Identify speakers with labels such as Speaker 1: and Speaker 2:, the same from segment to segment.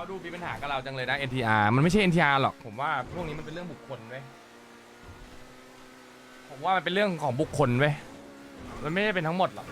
Speaker 1: ดูมีปัญหากับเราจังเลยนะ NTR มันไม่ใช่ NTR หรอกผมว่าพวกนี้มันเป็นเรื่องบุคคลเว้ยผมว่ามันเป็นเรื่องของบุคคลเว้ยมันไม่ได้เป็นทั้งหมดหรอก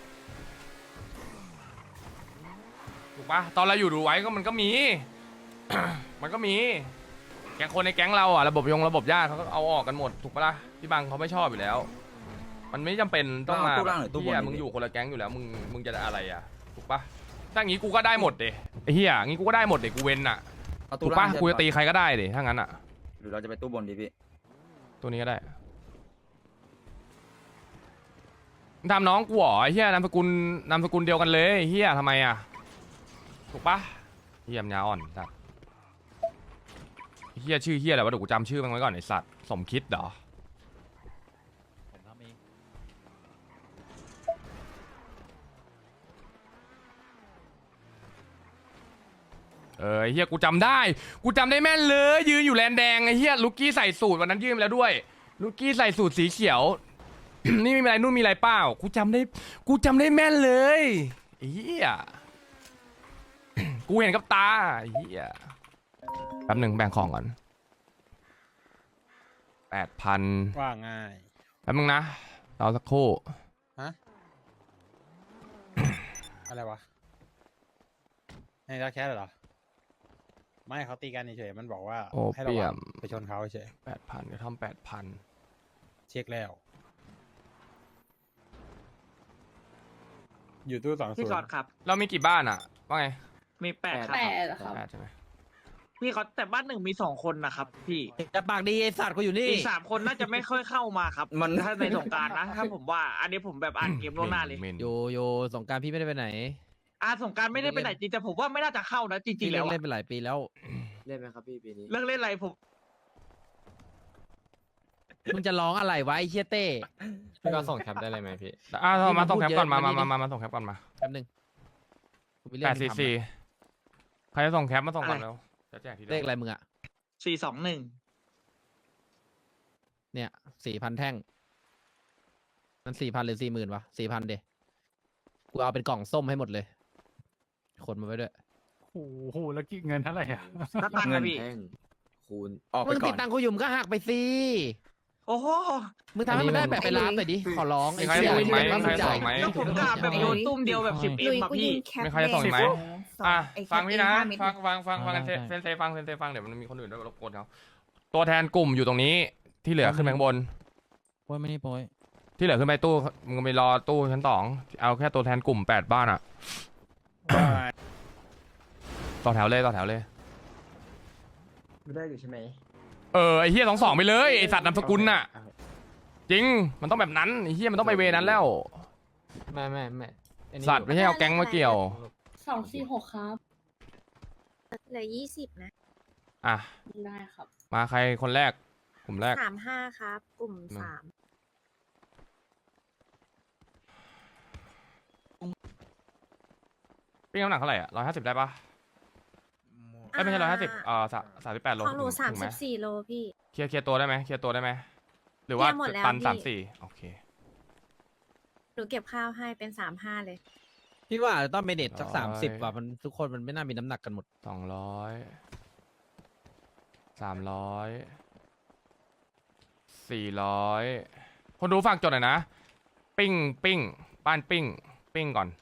Speaker 1: ถูกปะตอนเราอยู่ดูไว้ก็มันก็มี มันก็มีแก๊งคนในแก๊งเราอ่ะระบบญาติเขาก็เอาออกกันหมดถูกปะล่ะพี่บังเขาไม่ชอบอยู่แล้ว มันไม่จำเป็นต้องมาเฮียมึงอยู่คนละแก๊งอยู่แล้วมึงจะอะไรอ่ะถูกปะถ้างี้กูก็ได้หมดเดะไอ้เฮียงี้กูก็ได้หมดเดะกูเว้นอ่ะถูกปะกูจะตีใครก็ได้เดะถ้างั้นอ่ะ
Speaker 2: หรือเราจะไปตู้บนดีพี่
Speaker 1: ตัวนี้ก็ได้ทำน้องกูเหรอไอ้เฮียนามสกุลเดียวกันเลยเฮียทำไมอ่ะถูกปะเฮียมยาอ่อนสัตว์เฮียชื่อเฮียอะไรวะเดี๋ยวกูจำชื่อมันไว้ก่อนไอ้สัตว์สมคิดเหรอไอ้เฮียกูจำได้แม่นเลยยืนอยู่แลนแดงไอ้เฮียลูกกี้ใส่สูตรวันนั้นยืนไปแล้วด้วยลูกกี้ใส่สูตรสีเขียว นี่มีอะไรนู่นมีอะไรเปล่ากูจำได้แม่นเลยไอ้เฮีย กูเห็นกับตาไอ้เฮียแป๊บหนึ่งแบ่งของก่อน8,000
Speaker 3: ว่าง่าย
Speaker 1: แป๊บนึงนะเราสักครู่
Speaker 3: ฮะ อะไรวะให้รักแค่เหรอไม่เขาตีกันเฉยๆมันบอกว่า
Speaker 1: โอ
Speaker 3: ให้ระ
Speaker 1: เปีย
Speaker 3: วัง
Speaker 1: ม
Speaker 3: ไปชนเขาเฉย
Speaker 1: 8,000กระท่อม8,000
Speaker 3: เช็คแล้ว อยู่ตู้2
Speaker 4: พี่
Speaker 3: 0
Speaker 4: ก๊อตครับ
Speaker 1: เรามีกี่บ้านอ่ะว่าไง
Speaker 4: มี8ครับ
Speaker 5: ครับ
Speaker 1: 8ใช่ไหม
Speaker 4: พี่ก๊อตแต่บ้านหนึ่งมี2 คนนะครับพี่
Speaker 6: แต่ปากดีไอ้สัตว์กูอยู่นี่
Speaker 4: อีก3 คนน่าจะไม่ค่อยเข้ามาครับถ้าในสงกรารนะถ้าผมว่า อันนี้ผมแบบอ่านเกมล่วงหน้าเลย
Speaker 6: โยสงกรารพี่ไม่ได้ไปไหน
Speaker 4: สงกรารไม่ได้ไปไหนจริงแต่ผมว่าไม่น่าจะเข้านะจริ
Speaker 6: พี่
Speaker 4: งๆแล้ว
Speaker 6: เล่นไปหลายปีแล้ว
Speaker 5: เล่นไหมครับพี่ปีนี้
Speaker 4: เลิกเล่นอะไรผม
Speaker 6: มึงจะร้องอะไรวะไอ้เชี่ยเต้
Speaker 5: พี่ก็ส่งแคปได้เลยไหมพี่
Speaker 1: มาส่งแคปก่อน
Speaker 6: พูดเยอะ
Speaker 1: มาส่งแคปก่อนมา
Speaker 6: แป๊บนึงกูมีเรื่องให้ทำ
Speaker 1: 844ใครจะส่งแคปมาส่งก่อนแล้วจะแจกที
Speaker 6: เลขอะไรมึงอะ
Speaker 4: 421
Speaker 6: เนี่ย4,000 แท่ง มัน4,000หรือ40,000วะ4,000เดกูเอาเป็นกล่องส้มให้หมดเลย คนมาไว้ด้วย
Speaker 3: โอ้โหแล้วกี่เงินเท่าไหร่อ่ะ
Speaker 4: นักตังค์นะพี่
Speaker 5: แท่งคูณ
Speaker 2: ออกไป
Speaker 6: มึง
Speaker 2: ก่
Speaker 6: ติ
Speaker 2: อ
Speaker 6: ด
Speaker 2: น
Speaker 6: ตังค์กูอยู่มึงก็หักไปสิ
Speaker 4: โอ้โห
Speaker 6: มึงทำให้มันได้แบบไปรับหน่อยดิ ขอร้อง
Speaker 1: มี
Speaker 6: ไอ้
Speaker 1: ใคร
Speaker 6: เชี่ย
Speaker 1: ส่งอีกไหม
Speaker 6: มึง
Speaker 1: ใคร
Speaker 6: จ่า
Speaker 1: ส่
Speaker 6: ย
Speaker 1: งไหม
Speaker 4: แล้วผมกาแบบโยนตุ้มเดียวแบบ10M อะพี่
Speaker 1: ไม่ใครจะส่งอีกไหมฟังพี่นะ ฟัง
Speaker 6: ได้
Speaker 1: เซนเซฟังเดี๋ยวมันมีคนอื่นด้วยรบกวนเขาตัวแทนกลุ่มอยู่ตรงนี้ที่เหลือขึ้นไปข้างบน
Speaker 6: โป้ยไม่ได้โป้ย
Speaker 1: ที่เหลือขึ้นไปตู้มึงไปรอตู้ชั้น2เอาแค่ตัวแทนกลุ่ม8บ้านอะต่อแถวเลย
Speaker 5: ไม่ได้อยู่ใช่ไหม
Speaker 1: ไอ้เฮีย22ไปเลยไอ้สัตว์นามสกุลน่ะจริงมันต้องแบบนั้นไอ้เฮียมันต้องไปเวนั้นแล้ว
Speaker 5: ไม่
Speaker 1: สัตว์ไม่ใช่เอาแก๊งมาเกี่ยว
Speaker 7: 246 ครับ
Speaker 8: เหลือ20นะ
Speaker 1: อ่ะ
Speaker 7: ได้ครับ
Speaker 1: มาใครคนแรกกลุ่มแรก
Speaker 8: 35ครับ กลุ่ม
Speaker 1: มา
Speaker 8: 3
Speaker 1: ปิ้งน้ำหนักเท่าไหร่อะ150ได้ปะไม่ใช่15038โล
Speaker 8: ของหนู
Speaker 1: ถึงไหม
Speaker 8: 34 โลพี่
Speaker 1: เคลียร์ตัวได้ไหมหรือว่า
Speaker 8: เคลียร์หมดแล้ว
Speaker 1: ตัน
Speaker 8: พี่
Speaker 1: 34โอเค
Speaker 8: หนูเก็บข้าวให้เป็น 35 เลย
Speaker 6: พี่ว่าต้องเมเนจสัก
Speaker 1: ร้อย
Speaker 6: 30ว่ะมันทุกคนมันไม่น่ามีน้ำหนักกันหมด
Speaker 1: 200 300 400คนดูฝากจดหน่อยนะปิ้งบ้านปิ้งก่อน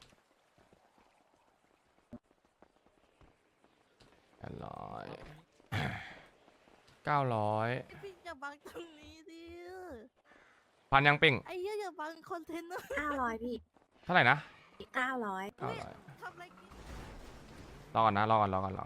Speaker 1: 800 900
Speaker 9: พี่อย่าบังตรงนี้ดิ
Speaker 1: พันยังปิ้ง
Speaker 9: ไอ้เหี้ยอย่าบังคอนเทนเนอร์
Speaker 8: 900 พี่
Speaker 1: เท่าไหร่นะ
Speaker 8: 900
Speaker 9: ทำอะไรกิน
Speaker 1: รอก่อนนะรอก่อน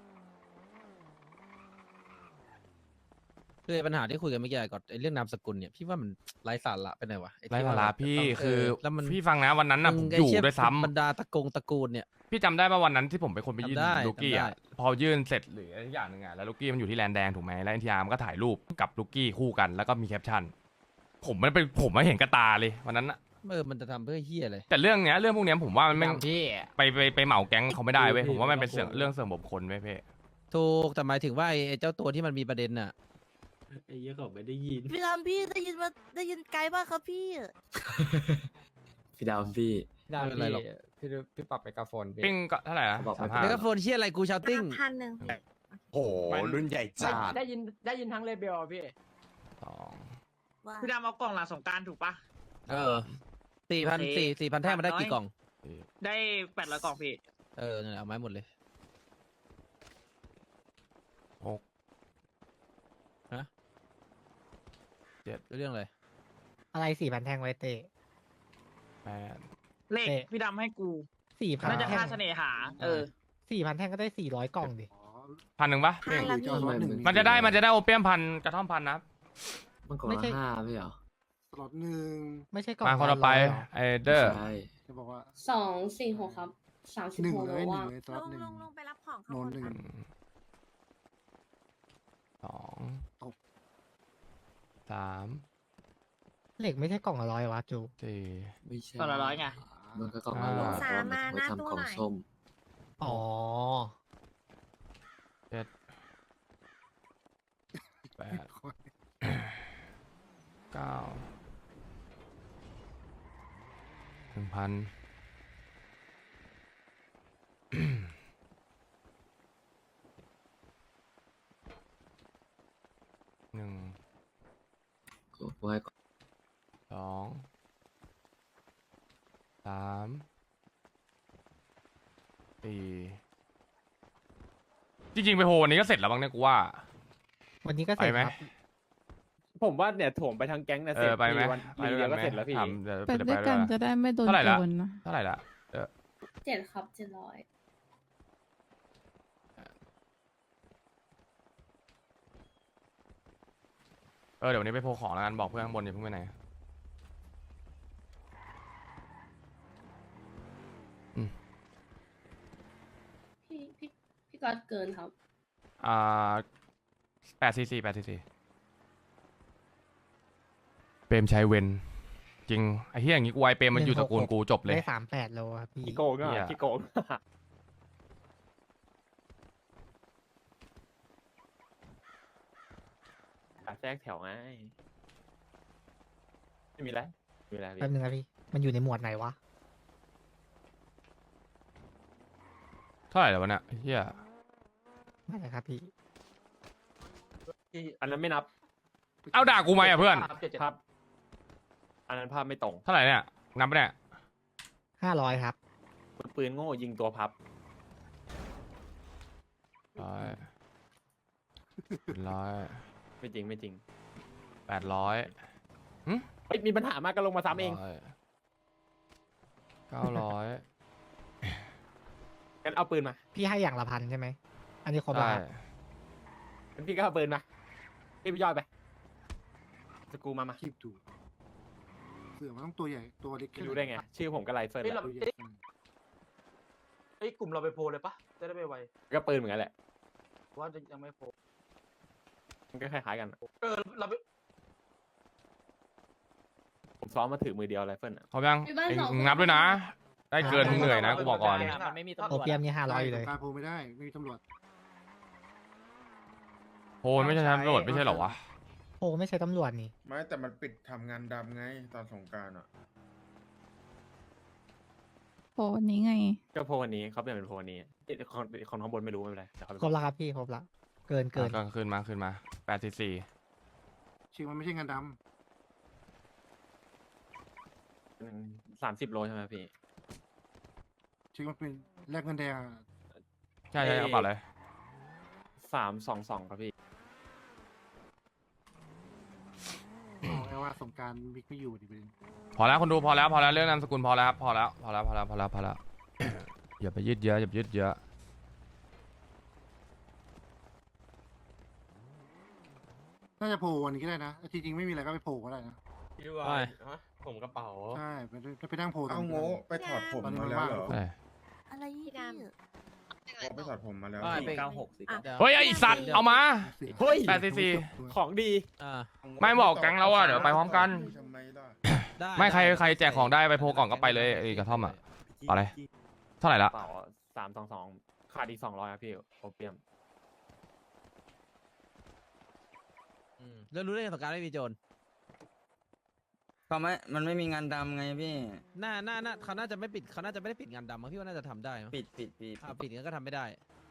Speaker 6: คือปัญหาที่คุยกันเมื่อกี้ก่อนไอ้เรื่องนามสกุลเนี่ยพี่ว่ามันไร้สาระไปหน่อยวะอ้
Speaker 1: ไร้
Speaker 6: ที่
Speaker 1: สา
Speaker 6: ว่
Speaker 1: ระ
Speaker 6: แบบ
Speaker 1: พี่
Speaker 6: ต้อง
Speaker 1: คือ
Speaker 6: แล้วมัน
Speaker 1: พี่ฟังนะวันนั้นน่ะผม
Speaker 6: ไอ้
Speaker 1: อยู่
Speaker 6: เชี่
Speaker 1: ด้วยซ้ำ
Speaker 6: บรรดาตระกูลเนี่ย
Speaker 1: พี่จำได้ป่ะวันนั้นที่ผมเป็นคนไปยื่น
Speaker 6: จำได้
Speaker 1: ลูกี้อ่ะ
Speaker 6: จำได้
Speaker 1: พอยื่นเสร็จหรืออะไรอย่างหนึ่งอ่ะแล้วลูกี้มันอยู่ที่แลนแดงถูกไหมแล้วเอ็นทีอาร์มันก็ถ่ายรูปกับลูกี้คู่กันแล้วก็มีแคปชั่นผมไม่เห็นกระตาเลยวันนั้นอะ
Speaker 6: มันจะทำเพื่อเฮียอะไร
Speaker 1: แต่เรื่องพวกเนี้ยผมว่ามันไม่
Speaker 5: พี่
Speaker 1: ไปเหมาแก๊งเขาไม่ได้เว้ย
Speaker 5: พี่
Speaker 1: ผมว่ามันเป็น
Speaker 5: พี่
Speaker 1: เรื่องเสริมบุคคลเว้ยเพ่
Speaker 6: ถูกแต่หมายถึงว่าไอ้เจ้าตัวที่มันมีประเด็นน่ะ
Speaker 5: ไอ้เหี้ยเขาไม่ได้ยิน
Speaker 9: พี่ลำพี่ได้ยินไกลมากครับพี่
Speaker 5: พี่ดาวพี่
Speaker 6: ไม่เป็นไรหรอก
Speaker 5: พี่ปรับไมโครโฟนพี่
Speaker 1: ปิ้งก็เท่าไหร่นะ
Speaker 5: บอกไม่
Speaker 1: 35
Speaker 6: เมกะโฟนเชียอะไรกูชาวติ้ง
Speaker 8: 1,000
Speaker 2: โอ้โหรุ่นใหญ่จัด
Speaker 5: ได้ยินทั้งเลเบลพี่
Speaker 1: สอง
Speaker 9: ว่า
Speaker 4: พี่ดำเอากล่องหลังสงกรารถูกปะ
Speaker 6: เออ4,000แท่งมันได้กี่กล่อง
Speaker 4: ได้800 กล่องพี่
Speaker 6: เออนั่นแหละเอาไม้หมดเลย
Speaker 1: หก
Speaker 6: เรื่องอะไร
Speaker 3: อะไร4,000แท่งไว้เตะ
Speaker 1: แปด
Speaker 4: เลข
Speaker 3: เอ๊ะ
Speaker 4: พี่ดำให้กู
Speaker 3: 4,000
Speaker 4: น่าจะค่าเสน่หา เออ
Speaker 3: 4,000แท่งก็ได้400กล่องดิ
Speaker 1: 1,000ปะ
Speaker 8: พันละพี่
Speaker 1: มันจะได้โอเปียมพันกระท่อมพันนะ
Speaker 5: มันกล่อง
Speaker 3: ไม่ใช่
Speaker 5: ละ5พี่เหรอ
Speaker 10: สล็อตหนึ่ง
Speaker 3: ไม่ใช่กล่อง
Speaker 1: มาคนละไป
Speaker 3: 100หรอ
Speaker 1: ไอเดอร์
Speaker 5: ใช่
Speaker 10: จะบอกว่า
Speaker 7: 246 ครับ
Speaker 10: หนึ่ง
Speaker 7: 36
Speaker 10: เล
Speaker 7: โล
Speaker 10: ยหนึ่
Speaker 7: ว่าง ง
Speaker 10: เลยส
Speaker 8: ล
Speaker 10: ล็อต
Speaker 8: ง
Speaker 10: หนึ่ง
Speaker 8: ลงไปรับของข้าง
Speaker 10: โน
Speaker 8: บ
Speaker 10: น
Speaker 8: น
Speaker 10: หนึ่ง
Speaker 8: ค่ะ
Speaker 1: สองสาม
Speaker 3: เหล็กไม่ใช่กล่องละ100วะจู
Speaker 1: สี่
Speaker 5: ไม่ใช่
Speaker 4: กล่องละ100ไง
Speaker 5: มันก็กล่องละ100
Speaker 8: สามมาหน้า
Speaker 5: เพระ
Speaker 8: ตู้
Speaker 5: ว่
Speaker 8: ห
Speaker 5: ไว้
Speaker 8: น่อย
Speaker 5: ทำกล่องส้ม
Speaker 3: อ๋อ
Speaker 1: เจ็ดแปดเก้า1,000 หนึ่ง
Speaker 5: กูให้ก่อน
Speaker 1: สองสามสี่จริงๆไปโหวันนี้ก็เสร็จแล้วบ้างเนี่ยกูว่า
Speaker 3: วันนี้ก็
Speaker 1: ไป
Speaker 3: เสร็จ
Speaker 1: ไหม
Speaker 3: ครับ
Speaker 2: ผมว่าเนี่ยโถมไปทางแก๊งเนี่ย
Speaker 1: เอ
Speaker 2: เสร็จ
Speaker 1: อไปไหม
Speaker 2: วัน
Speaker 1: ไป
Speaker 2: ที
Speaker 1: ด้วย
Speaker 2: เดี
Speaker 1: กั
Speaker 2: ยวน ก็
Speaker 1: ไหม
Speaker 2: เสร็จแล้วพี่
Speaker 1: ถามเดี๋ยว
Speaker 7: ไป
Speaker 1: เดี๋ยว
Speaker 7: ด้วยกัน
Speaker 1: ด้วย
Speaker 7: จะได้ไม่โดน
Speaker 1: เท่าไหร่ละ
Speaker 7: โจรนะ
Speaker 1: เท่าไหร่ละ
Speaker 7: 7 ครับ 700
Speaker 1: เดี๋ยววันนี้ไปโพลของแล้วกันบอกเพื่อนข้างบนอย่าเพิ่งไปไหน
Speaker 7: พี่ก๊อตเกินครับ
Speaker 1: 844เปรมชัยเวนจริงไอ้เหี้ยอย่างงี้กูไวเปรมมันอยู่ตระกูลกูจบเลย
Speaker 3: ได้38โลครับพี่
Speaker 2: ขี้โกงก็
Speaker 1: เหี้ย
Speaker 2: ขี้โกงแทรกแถวไงไม่มีอะไรไม่มีอะไร
Speaker 3: แป๊บนึงนะพี่ มันอยู่ในหมวดไหนวะ
Speaker 1: เท่าไหร่แล้ววะเนี่ยไอ้เหี้ย
Speaker 3: ไม่ใช่ครับพี่
Speaker 2: พี่อันนั้นไม่นับ
Speaker 1: เอาด่ากูไหมอ่ะเพื่อน
Speaker 2: ภาพอันนั้นภาพไม่ตรง
Speaker 1: เท่าไหร่เนี่ยนับไปะเนี่ย
Speaker 3: 500ครับ
Speaker 2: ปืนโง่ยิงตัวพับ
Speaker 1: 100
Speaker 2: ไม่จริงไม่จริง
Speaker 1: 800
Speaker 2: เฮ้ยมีปัญหามากก็ลงมาซ้ำเอง
Speaker 1: 900
Speaker 2: งั้นเอาปืนมา
Speaker 3: พี่ให้อย่างละ1,000ใช่ไหม อันนี้ครบ
Speaker 1: ได้
Speaker 3: แล้วครับ
Speaker 2: งั้นพี่ก็เอาปืนมาพี่ไปย่อยไปสกรูมา
Speaker 10: คีบดูเสือมันต้องตัวใหญ่ตัวเล็ก
Speaker 2: ไม่รู้ได้ไง ชื่อผมก็ไรเฟิร์น
Speaker 10: ตัวใหญ่
Speaker 4: เฮ้ย กลุ่มเราไปโพลเลยปะจะได้ไปไว
Speaker 2: ก็ปืนเหมือนกันแหละ
Speaker 4: ว่าจะยังไม่โพล
Speaker 2: มันก็คล้ายๆกัน
Speaker 4: เราไป
Speaker 2: ผมซ้อมมาถือมือเดียวไรเฟิร์นอะ
Speaker 1: พร้อมยัง
Speaker 7: มีบ้าน
Speaker 1: เอ็ง
Speaker 7: สองคน
Speaker 1: นับด้วยนะ ได้เกิน
Speaker 3: ได้
Speaker 1: เหนื่อยนะกูบอกก่อน
Speaker 4: มันไม่มีตำร
Speaker 3: โอ
Speaker 4: วจ
Speaker 3: เปียมนี่500อยู่เลย
Speaker 10: การโพลไม่ได้ไม่มีตำรวจ
Speaker 1: โพลไม่ใช่ตำรวจไม่ใช่เหรอวะ
Speaker 3: โอ้ไม่ใช่ตำรวจนี่
Speaker 11: ไม่แต่มันปิดทำงานดำไงตอนสงกรารอ่ะ
Speaker 7: โอ้นี้ไง
Speaker 2: ก็โพลวันนี้เขาเปลี่ยนเป็นโพลวันนี้คนข้างบนไม่รู้ไม่เป็นไรเดี๋ยวเขาไป
Speaker 3: ครบแล้วครับพี่ ครบแล้ว เกิน
Speaker 1: ก็ขึ้นมา844
Speaker 10: ชื่อมันไม่ใช่งานด
Speaker 2: 30 โลใช่ไหมพี่
Speaker 10: ำชื่อมันเป็นแลกเงินแดงอะ
Speaker 1: ใช่เอาเปล่าเลย
Speaker 2: 322ครับพี่
Speaker 10: เอาแค่ว่าสงกรารมิกไม่อยู่ดิประเด็น
Speaker 1: พอแล้วคนดูพอแล้วเรื่องนามสกุลพอแล้วครับพอแล้ว อย่าไปยืดเยอะ
Speaker 10: น่าจะโผล่วันนี้ก็ได้นะที่จริงไม่มีอะไรก็ไปโผล่ก็ได้นะ
Speaker 2: พี่ว่าผมกระเป๋า
Speaker 10: ใช่ไปนั่งโผล่ตร
Speaker 11: เอา
Speaker 10: งนี้
Speaker 11: โง่ไปถอดผมมาแล้วเหรอ
Speaker 1: เอ้ย
Speaker 9: อะไรพี่
Speaker 8: พี่ด
Speaker 11: โง่ไปถอดผมมาแล้ว
Speaker 1: เฮ้ยไอสัตว์เอามา
Speaker 2: เฮ้ย
Speaker 1: 844
Speaker 2: ของดี
Speaker 6: อ่า
Speaker 1: ไม่บอกแก๊งเราอะเดี๋ยวไปพร้อมกัน
Speaker 11: ทำไมล่ะ
Speaker 6: ได้
Speaker 1: ไม่ใคร
Speaker 6: ด้
Speaker 1: ใครแจกของได้ไปโพลก่อนก็ไปเลยไอ้กระท่อมอะเอาเลย เท่าไหร่
Speaker 2: ก
Speaker 1: ละ
Speaker 2: ระเป๋า322ขาดอีก200ครับพี่โอเปียม
Speaker 6: แล้วรู้ได้ไงสงกรารไม่มีโจร
Speaker 4: มันไม่มีงานดำไงพี่
Speaker 6: น่าเขาน่าจะไม่ปิดเขาน่าจะไม่ได้ปิดงานดำมั้งพี่ว่าน่าจะทำได้มั้ง
Speaker 4: ปิด
Speaker 6: ปิดงั้นก็ทำไม่ได้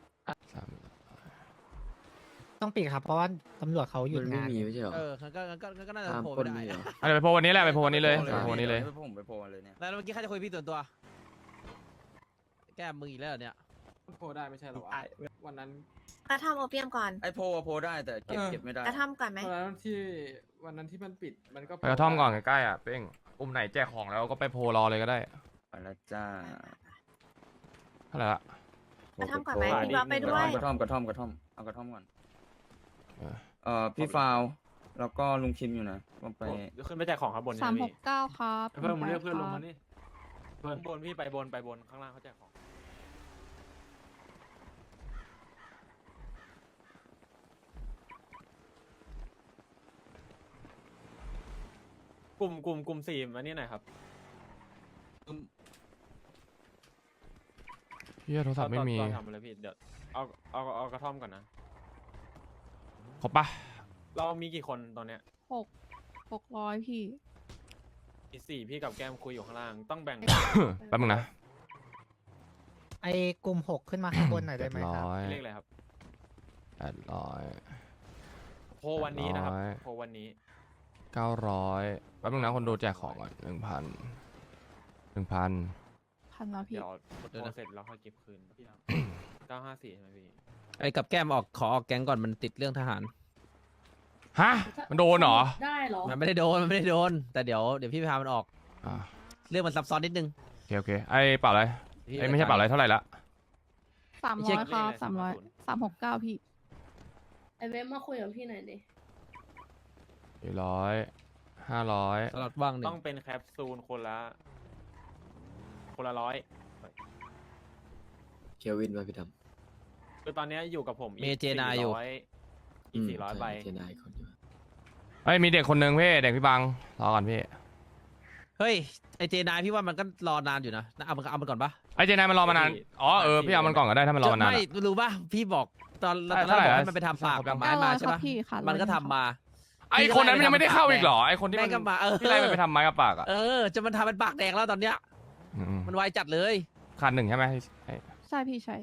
Speaker 2: ต้องปิดครับเพราะว่าตำรวจเขาหยุด
Speaker 5: มันไม่
Speaker 2: งาน
Speaker 5: มีไม่ใช่เหรอ
Speaker 6: ก็น่าจะ
Speaker 5: ตาม
Speaker 6: โผล่
Speaker 5: คน
Speaker 6: ไม่ได้
Speaker 5: นี่เหรอ
Speaker 1: อะไรไปโพลวันนี้แหละไปโพลวันนี้เลยไปโพลวันนี้เลย
Speaker 4: ผมไปโพลเลยเนี่ย
Speaker 6: แล้วเมื่อกี้ใครจะคุยพี่ส่วนตัว แก้มืออีกแล้วเหรอเนี่ย
Speaker 2: โพได้ไม่ใช่หรอวะวันนั้น
Speaker 8: กระทำโอเปียมก่อน
Speaker 4: ไอโพลได้แต่เก็บไม่ได้
Speaker 8: กระทำก่อนไหม
Speaker 2: วันนั้นที่มันปิดมันก็
Speaker 1: ไปกระท่อมก่อนใกล้ๆอ่ะเป้งอุ้มไหนแจกของแล้วก็ไปโพลรอเลยก็ได้
Speaker 4: ไปแล้วจ้า
Speaker 1: เท่าไหร่ละ
Speaker 8: กระทำก่อนไหมพี่บ๊อบไปด้วย
Speaker 4: กระท่อมเอากระท่อมก่อน
Speaker 1: เออ
Speaker 4: พี่ฟาวแล้วก็ลุงคิมอยู่นะว่าไป
Speaker 2: ขึ้นไปแจกของครับบน
Speaker 7: 369ครับ
Speaker 2: เพิ่มเรียกเพื่อนลงมานี่เพิ่มบนพี่ไปบนข้างล่างเขาแจกของกลุ่มสี่มานี่หน่อยครับ
Speaker 1: พี่โทรศัพท์ไม่มี
Speaker 2: ทำอะไรพี่เดี๋ยวเอากระท่อมก่อนนะ
Speaker 1: ครบปะ
Speaker 2: เรามีกี่คนตอนเนี้ย
Speaker 7: 600พี่
Speaker 2: มี4พี่กับแก้มคุยอยู่ข้างล่างต้องแบ่ง
Speaker 1: แป๊บนึงนะ
Speaker 2: ไอ้กลุ่ม6ขึ้นมาข้างบนหน่อยได้ไหมครับ
Speaker 1: 700
Speaker 2: เลขอะไรครับ
Speaker 1: 800
Speaker 2: โพวันนี้นะครับ
Speaker 1: 100
Speaker 2: โพวันนี้
Speaker 1: 900แป๊บนึงนะคนดูแจกของก่อน1,000
Speaker 7: พันแล้วพี่
Speaker 2: เดี๋ยวโพเสร็จแล้วค่อยเก็บคืน954ใช่ไหมพี่
Speaker 6: ไอ้กับแก้มขอออกแก๊งก่อนมันติดเรื่องทหาร
Speaker 1: ฮะมันโดนเหรอ
Speaker 7: ได้เหรอ
Speaker 6: มันไม่ได้โดน แต่เดี๋ยวพี่พามันออก
Speaker 1: อ่า
Speaker 6: เรื่องมันซับซ้อนนิดนึง
Speaker 1: โอเคไอ้เปล่าอะไรไอ้ไม่ใช่เปล่าอะไรเท่าไหร่ละ
Speaker 7: 300ครับ300 369พี่ ไอเว็บมาคุยกับพี่หน่อยดิ
Speaker 1: 400 500
Speaker 6: สล็อตว่างหนึ่
Speaker 2: ต้อง งเป็นแคปซูลคนละ100
Speaker 5: เควินมาพี่ดำ
Speaker 2: คือตอนนี้อยู่กับผมอีก
Speaker 6: เมเจนายอยู่
Speaker 2: อีก400ใบ
Speaker 5: เจนายคนอยู่
Speaker 1: เอ้ยมีเด็กคนหนึ่งพี่เด็กพี่บังรอก่อนพี่
Speaker 6: เฮ้ยไอเจนายพี่ว่ามันก็รอนานอยู่นะเอามันก่อนปะ
Speaker 1: ไอ้เจนายมันรอมานานอ๋อพี่เอามันก่อนก็ได้ถ้ามันรอมานาน
Speaker 6: ไม่
Speaker 1: อะ
Speaker 6: รู้ป่ะพี่บอกตอน
Speaker 1: เท่าไหร่
Speaker 6: บอก
Speaker 1: อะ
Speaker 6: ให้มันไปทำปากกับไม้มาใช่
Speaker 7: ครั
Speaker 6: ปะ
Speaker 7: บพี่ค่ะ
Speaker 6: มันก็ทำมา
Speaker 1: ไอ้คนนั้นมันยังไม่ได้เข้าอีกเหรอไอ้คนที่
Speaker 6: แม่
Speaker 1: มัน
Speaker 6: งก็มา
Speaker 1: ที่ไล่มันไปทำไม้กับปากอ่ะ
Speaker 6: จะมันทำเป็นปากแดงแล้วตอนเนี้ย
Speaker 1: อืม
Speaker 6: มันไวจัดเลย
Speaker 1: ขาดหนึ่งใช่ไหมไอ้
Speaker 7: ใช่พี่ใช่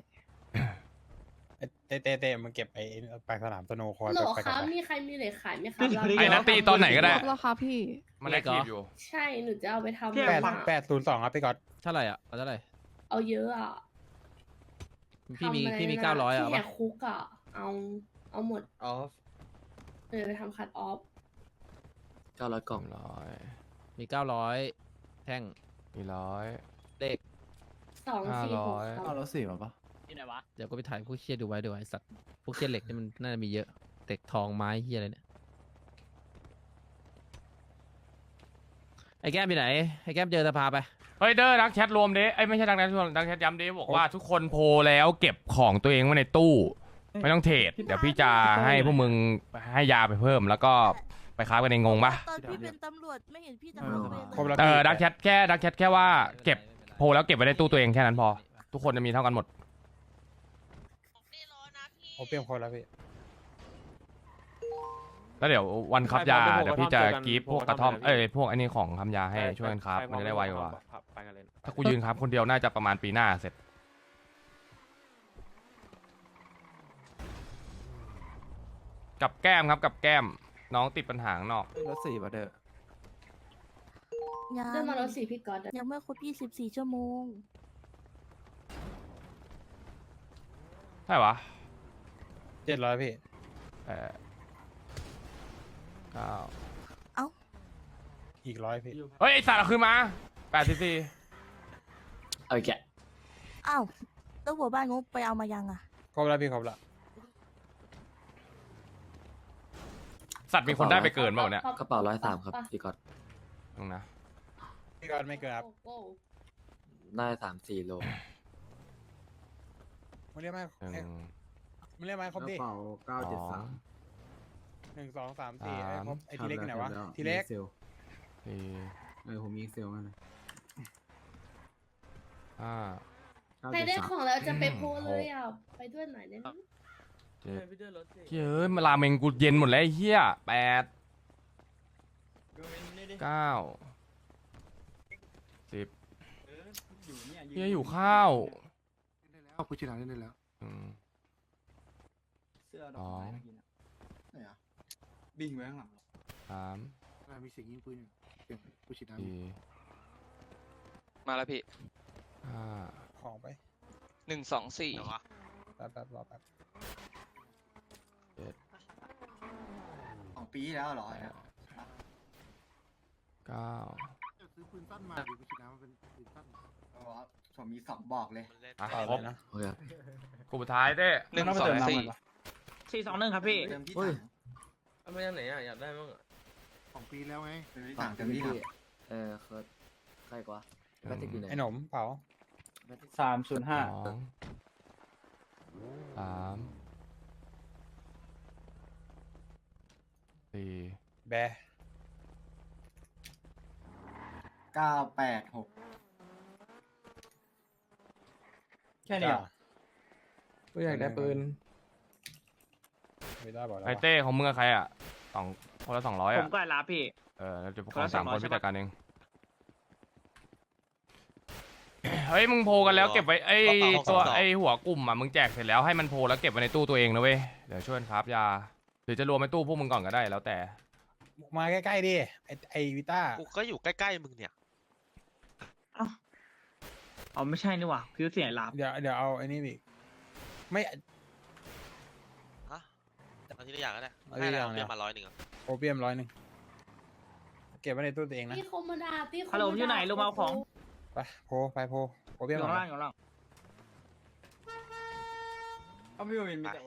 Speaker 3: เตะมันเก็บไอ้ปลายสนามสโนว์คอร์
Speaker 7: โหล
Speaker 3: ไป
Speaker 7: ค
Speaker 3: กั
Speaker 7: รั
Speaker 3: บบ
Speaker 7: มีใครมีเหล็กขายไหมครับ
Speaker 1: ไอ้นัตตี้ตอนไหนก็ได้
Speaker 7: แล้วครับพี่
Speaker 1: มันแอคทีฟอยู่
Speaker 7: ใช่หนูจะเอาไปทำ
Speaker 4: พี่
Speaker 3: แปด
Speaker 7: อะ
Speaker 3: 802ครับพี่ก๊อต
Speaker 6: เท่าไหร่อ่ะเอาเท่าไหร่
Speaker 7: เอาเยอะอ่ะ
Speaker 6: พี่มี
Speaker 7: ทำอะไร
Speaker 6: พี่มี
Speaker 7: นะ
Speaker 6: 900อ่ะ
Speaker 7: ที่แห
Speaker 6: ปะ
Speaker 7: กคุกอ่ะ เอาหมด
Speaker 5: ออฟ
Speaker 7: ไปทำคัดออฟ
Speaker 5: 900 กล่อง
Speaker 6: มี900แท่ง
Speaker 1: 400
Speaker 6: เลข
Speaker 7: 246ครับ
Speaker 11: แล้ว4มาปะ
Speaker 6: เดี๋ยวก็ไปถ่ายพวกเชี่ยดูไว้ไอ้สัตว์พวกเชี่ยเหล็กนี่มันน่าจะมีเยอะเหล็กทองไม้เฮียอะไรเนี่ยไอ้แก้มไปไหนไอ้แก้มเจอสภาไป
Speaker 1: เฮ้ยเด้อดักแชทรวมเด้ไอ้ยไม่ใช่ดักแชทรวมดักแชทย้ำเด้บอกว่าทุกคนโพลแล้วเก็บของตัวเองไว้ในตู้ ไม่ต้องเทรดเดี๋ยวพี่จะให้พวกมึงให้ยาไปเพิ่มแล้วก็ไปค้ากันในงงปะ
Speaker 9: ตอนพี่เป็นตำรวจไม่เห็นพี่ทำอะไรเลย
Speaker 1: ดักแชทแค่ว่าเก็บโพลแล้วเก็บไว้ในตู้ตัวเองแค่นั้นพอ ทุกคนจะมีเท่ากันหมด
Speaker 3: โอเปียมคอร์แล้วพี่
Speaker 1: แล้วเดี๋ยววันครับยา
Speaker 2: ใครพร้อม
Speaker 1: เดี๋ยวพี่จะ
Speaker 2: เจอกัน
Speaker 1: กรีฟพวก
Speaker 2: พวก
Speaker 1: กระท่อม
Speaker 2: กระท่อมเลยนะพี่
Speaker 1: พวกอันนี้ของทำยาให้ช่วยกันครับ
Speaker 2: ใคร
Speaker 1: มันจะได้ไวกว่า
Speaker 2: ไปกันเลย
Speaker 1: ถ้ากูยืนครับคนเดียวน่าจะประมาณปีหน้าเสร็จ กับแก้มครับกับแก้มน้องติดปัญหาข้างนอก
Speaker 11: รถ4มาเด้อ
Speaker 9: ยัง
Speaker 7: เดินมารถสี่พี่ก๊อตอะ
Speaker 9: ยังไม่ครบ24 ชั่วโมง
Speaker 1: ใช่ปะ
Speaker 3: 700พี่
Speaker 1: 9
Speaker 9: เอ้า
Speaker 3: อีก100พี่
Speaker 1: เฮ้ยไอสัตว์เอาคืนมา84
Speaker 5: เอาอีกแกะ
Speaker 9: อ้าวแล้วหัวบ้านงบไปเอามายังอ่ะ
Speaker 3: ครบแล้วพี่ครบแล้ว
Speaker 1: สัตว์มีคนได้ไปเกินเปล่าเนี่ย
Speaker 5: กระเป๋า103ครับพี่ก๊อต
Speaker 1: ตรงนะ
Speaker 3: พี่ก๊อตไม่เกินครับ
Speaker 7: โอ้โห
Speaker 5: ได้3-4 โล
Speaker 3: มึงเรียกมา
Speaker 1: หนึ่ง
Speaker 3: มึงเรียกมาครบดิ
Speaker 1: สอง
Speaker 3: 1 2 3 4ไอ้ครบไอ้
Speaker 11: คร
Speaker 3: ที
Speaker 11: บ
Speaker 3: เล็กอยู่ไหนวะ
Speaker 11: แล้ว
Speaker 3: ทีเล็ก
Speaker 11: มี
Speaker 1: สี่
Speaker 11: ผมมีเซลกัน
Speaker 1: ห้า
Speaker 7: ใครได้ของแล้วจะไปโพลเลยอ่ะ ไปด้วยหน่อยได้ไหม
Speaker 1: เจ็ดเฮ้ยมาลาเมงกูเย็นหมดแล้วไอ้เหี้ย8 9 10เฮียอยู่ข้าว
Speaker 10: เล่นได้แล้วกูชิลาเล่นได้แล้ว
Speaker 1: สอง
Speaker 11: บิ่งไว้ข้างหลัง
Speaker 1: 3
Speaker 10: มีเสียงยิงปืนอยู่เสียงกูชิลา
Speaker 1: 4
Speaker 12: มาแล้วพี่
Speaker 1: 5
Speaker 3: ของไป
Speaker 12: 124
Speaker 3: แป๊บรอแป๊บ
Speaker 11: 2 ปีแล้วเหรอ
Speaker 1: 9
Speaker 10: จะซื้อปืนสั้นมาดิกูชิลามันเป็นปืนสั้น
Speaker 11: ผมมี2บอกเลย
Speaker 1: อ่ะ
Speaker 3: ต่อ
Speaker 1: ครบ
Speaker 3: เลยนะ
Speaker 5: โอเค
Speaker 1: กลุ่มสุดท้ายเต้
Speaker 12: 124
Speaker 4: 421ครับพี่
Speaker 11: เติมที่
Speaker 5: เฮ้ย
Speaker 11: ถัง
Speaker 12: ไม่ยังไหนอ่ะอยากได้มั้ง
Speaker 10: 2 ปีแล้วไง
Speaker 11: เติมที่ถังเติมที่ถัง
Speaker 5: เคิร์ดใครกว่าแบตติกอยู่ไหน
Speaker 3: ไอ้หนมเผา
Speaker 1: 2 3 4
Speaker 3: แบร์
Speaker 11: 986
Speaker 3: แค่นี้เหรอ
Speaker 2: กูอยากได้ปืน
Speaker 3: ไม่ได้บอกแล้ว
Speaker 1: ไอเต้ของมึงกับใครอ่ะคนละ200
Speaker 4: ผม
Speaker 1: อ่ะ
Speaker 4: ก็รับพี่
Speaker 1: แล้วจะพวก
Speaker 4: คนละ
Speaker 1: 3 คน
Speaker 4: 200
Speaker 1: พี่จัดการเอง เฮ้ยมึงโพลกันแล้วเก็บไว้ไอ้ตัวไอ้หัวกลุ่มอ่ะมึงแจกเสร็จแล้วให้มันโพลแล้วเก็บไว้ในตู้ตัวเองนะเว้ยเดี๋ยวช่วยกันครับยาหรือจะรวมในตู้พวกมึงก่อนก็ได้แล้วแต่
Speaker 3: มาใกล้ๆดิไอวิต้า
Speaker 12: กูก็อยู่ใกล้ๆมึงเนี่ย
Speaker 4: อ๋อไม่ใช่นี่หว่าคือเสียงรับ
Speaker 3: เดี๋ยวเอาไอ้นี่อีกไม่
Speaker 12: ฮะเอาทีละอย่างก็ได้
Speaker 3: เอาทีละอย่าง
Speaker 12: ให้
Speaker 3: เนี่ย
Speaker 12: เราเรียกมา100อ่ะ
Speaker 3: โอเปียม100เก็บไว้ในตู้ตัวเองนะ
Speaker 7: พี่คมดาพี่
Speaker 4: ฮัลโหลอยู่ไหนลงมาเอาของ
Speaker 3: ไปโพโอ
Speaker 4: อ
Speaker 3: เปียม
Speaker 4: ยู่
Speaker 3: ก่อ
Speaker 4: ข้าน งล่างอยู่ข้างล่าง
Speaker 11: เอาพี่วินมีแต่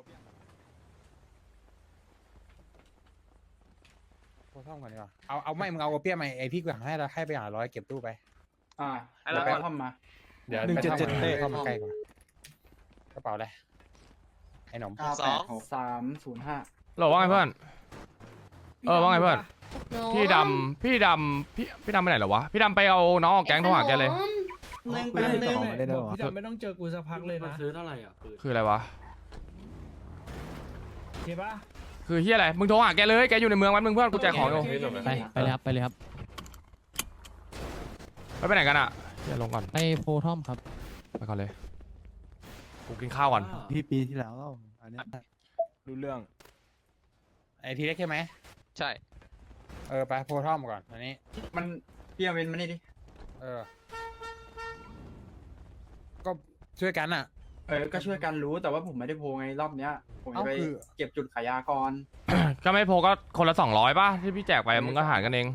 Speaker 3: โพท่อมก่อนดีกว่าเอาไม่มึงเอาโอเปียมมาไอพี่กูให้ไปหา100เก็บตู้ไป
Speaker 4: แล้วก็
Speaker 3: เดี๋ยว
Speaker 2: 177
Speaker 3: เต้เข้ามาใกล้กว่ากระเป๋าอะไรไอ้หนม
Speaker 11: 986
Speaker 2: 305
Speaker 1: หรอว่าไงเพื่อนว่าไงเพื่อนพี่ดำพี่ดำไปไหนเหรอวะพี่ดำไปเอาน้องออกแก๊งโทรหาแกเลย
Speaker 2: พี่ดำ
Speaker 6: ไม่ต้องเจอกูสักพักเลยนะ
Speaker 11: ซื้อเท่าไหร่อ่ะปืน
Speaker 1: คืออะไรวะ
Speaker 6: เห็นปะ
Speaker 1: คือเฮียอะไรมึงโทรหาแกเลยแกอยู่ในเมืองวันมึงเพื่อนกูแจกของอยู่
Speaker 6: ไปเลยครับไปเลยครับ
Speaker 1: ไปไหนกันอ่ะเดี๋ยวลงก่อน
Speaker 6: ไปโพทอมครับ
Speaker 1: ไปก่อนเลยกูกินข้าวก่อน
Speaker 11: พี่ปีที่แล้วอันนี้
Speaker 2: รู้เรื่อง
Speaker 3: ไอทีเล็กใช่ไหม
Speaker 12: ใช่
Speaker 3: ไปโพท่อมก่อนอันนี้
Speaker 11: มันพี่วินมานี่ดิ
Speaker 3: ก็ช่วยกันอ่ะ
Speaker 11: ก็ช่วยกันรู้แต่ว่าผมไม่ได้โพไงรอบเนี้ย ผมจะไป
Speaker 3: คือ
Speaker 11: เก็บจุดขายยาก่อน
Speaker 1: ก็ไม่โพก็คนละ200ป่ะที่พี่แจกไปมึงก็หารกันเอง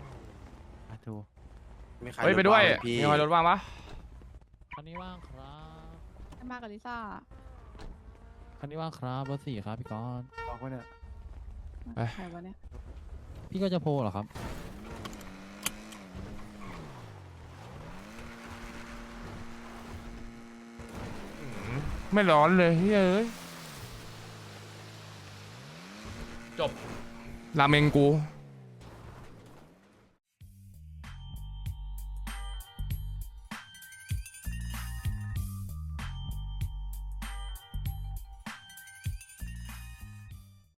Speaker 1: เฮ้ยไปด้วยมีใครรถว่างปะ
Speaker 6: คันนี้ว่างครับ
Speaker 7: มากับลิซ่า
Speaker 6: คันนี้ว่างครับเบอร์4ครับพี่กอน
Speaker 11: บอกว่าเนี่ย
Speaker 7: ใครวะเนี่ย
Speaker 6: พี่ก็จะโพเหรอครับ
Speaker 1: ไม่ร้อนเลยเฮ้ยจบราเมงกู